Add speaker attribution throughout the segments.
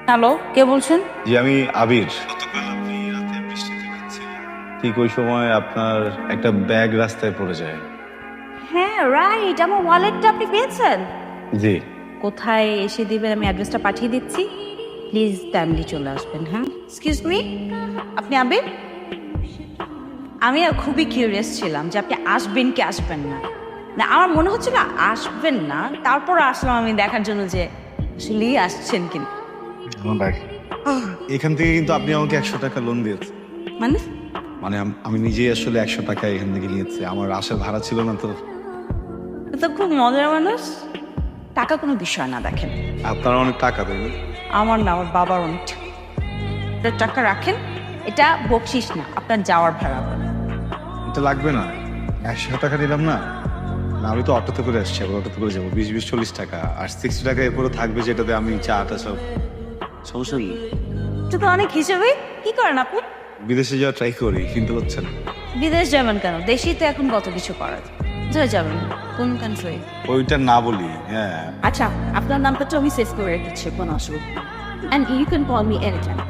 Speaker 1: Hello, কে বলছেন?
Speaker 2: জি আমি আবির। গতকাল আপনি রাতে বৃষ্টিতে ভিজছিলেন, ঠিক ওই সময় আপনার একটা ব্যাগ রাস্তায় পড়ে যায়।
Speaker 1: হ্যাঁ রাইট, আমার ওয়ালেটটা আপনি পেয়েছেন?
Speaker 2: জি।
Speaker 1: কোথায় এসে দিবেন আমি অ্যাড্রেসটা পাঠিয়ে দিচ্ছি, প্লিজ টাইমলি চলে আসবেন। হ্যাঁ, এক্সকিউজ মি, আপনি আবির? আমি খুবই কিউরিয়াস ছিলাম যে আপনি আসবেন কি আসবেন না। না আমার মনে হচ্ছিল আসবেন না, তারপর আসলাম আমি দেখার জন্য যে আসলেই আসছেন কিনা।
Speaker 2: আমার ব্যাগ এখান থেকে কিন্তু আপনি আমাকে 100 টাকা লোন দিয়েছেন।
Speaker 1: মানে
Speaker 2: মানে আমি নিজেই আসলে 100 টাকা এখান থেকে নিয়েছি, আমার আসার ভাড়া ছিল না তো।
Speaker 1: তো খুব মজার মানুষ। টাকা কোনো বিষয় না, দেখেন
Speaker 2: আপনারা অনেক টাকা দেন।
Speaker 1: আমার না, আমার বাবার অনেক টাকা রাখেন, এটা বকশিস না, আপনার যাওয়ার ভাড়া।
Speaker 2: এটা লাগবে না, 100 টাকা দিলাম না। না, আমি তো অটোতে করে আসছি, আবার অটোতে করে যাবো। 20-20-40 টাকা আর 60 টাকা এরপরে থাকবে, যেটাতে আমি চাটা সব সমস্যা নেই।
Speaker 1: এটা তো অনেক হিসেবে। কি করেন আপনি?
Speaker 2: বিদেশে যাওয়া ট্রাই করি, কিন্তু হচ্ছে না।
Speaker 1: বিদেশ যাবেন কেন? দেশেই তো এখন কত কিছু করা যায়। কোথায় যাবেন? কোন কান্ট্রি?
Speaker 2: ওইটা না বলি। হ্যাঁ,
Speaker 1: আচ্ছা, আপনার নামটা তো আমি সেভ করে রেখেছি, কোনো অসুবিধা নেই। And you can call me any time.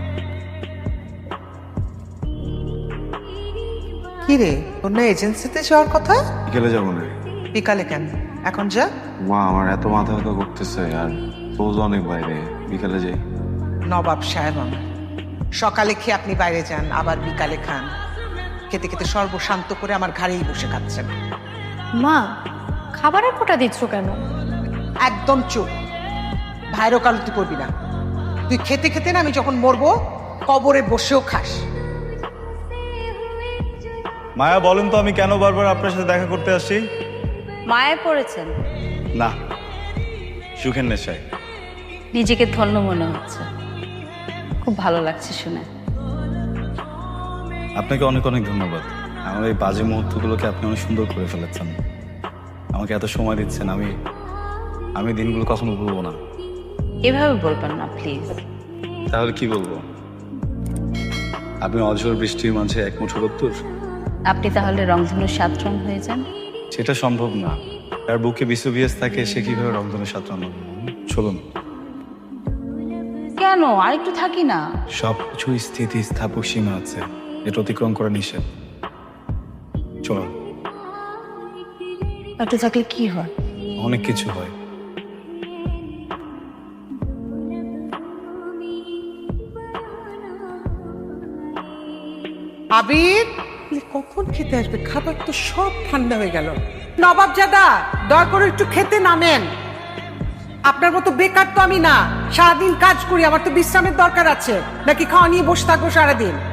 Speaker 3: কি রে, অন্য এজেন্সিতে যাওয়ার কথা?
Speaker 2: বিকেলে যাবো না।
Speaker 3: বিকালে কেন? এখন যা।
Speaker 2: মা, আমার এত মাথা ব্যথা করতেছে আর রোজ অনেক বাইরে, বিকালে যাই।
Speaker 3: নবাব সাহেব আমার, সকালে খেয়ে আপনি বাইরে যান, আবার বিকালে খান। খেতে খেতে সর্বশান্ত করে আমার ঘাড়েই বসে খাচ্ছেন।
Speaker 4: মা, খাবারের ফোঁটা দিচ্ছ কেন?
Speaker 3: একদম চুপ। ভাইয়ের ওকালতি করবি না। তুই খেতে খেতে না আমি যখন মরবো কবরে বসেও খাস।
Speaker 2: মায়া, বলেন তো আমি কেন বারবার আপনার সাথে দেখা করতে আসি?
Speaker 1: মায়ে পড়েছেন?
Speaker 2: না, সুখের নেশায়।
Speaker 1: নিজেকে ধন্য মনে হচ্ছে, খুব ভালো লাগছে শুনে।
Speaker 2: আপনাকে অনেক অনেক ধন্যবাদ। আমার এই বাজে মুহূর্তগুলোকে আপনি অনেক সুন্দর করে ফেলেছেন, আমাকে এত সময় দিচ্ছেন। আমি দিনগুলো কখনো ভুলবো না।
Speaker 1: এভাবে বলবেন না প্লিজ।
Speaker 2: তাহলে কি বলবো? আপনি অঝোর বৃষ্টির মাঝে এক মুঠো রোদ্দুর।
Speaker 1: আপনি তাহলে রংধনুর 7 রং হয়ে যান।
Speaker 2: সেটা সম্ভব না। তার বুকে বিশ্ববিয়াস থাকে, সে কিভাবে রংধনু সাঁতরানো? চলুন।
Speaker 1: কেন আরেকটু থাকি না?
Speaker 2: সবকিছু স্থিতি স্থাপক সীমা আছে, এটা অতিক্রম করা নিষেধ। চলুন।
Speaker 1: একটু থাকলে কি হয়?
Speaker 2: অনেক কিছু হয়।
Speaker 3: আবির, কখন খেতে আসবে? খাবার তো সব ঠান্ডা হয়ে গেল। নবাব জাদা, দয়া করে একটু খেতে নামেন। আপনার মতো বেকার তো আমি না, সারাদিন কাজ করি, আমার তো বিশ্রামের দরকার আছে। নাকি খাওয়া নিয়ে বসে থাকবো সারাদিন?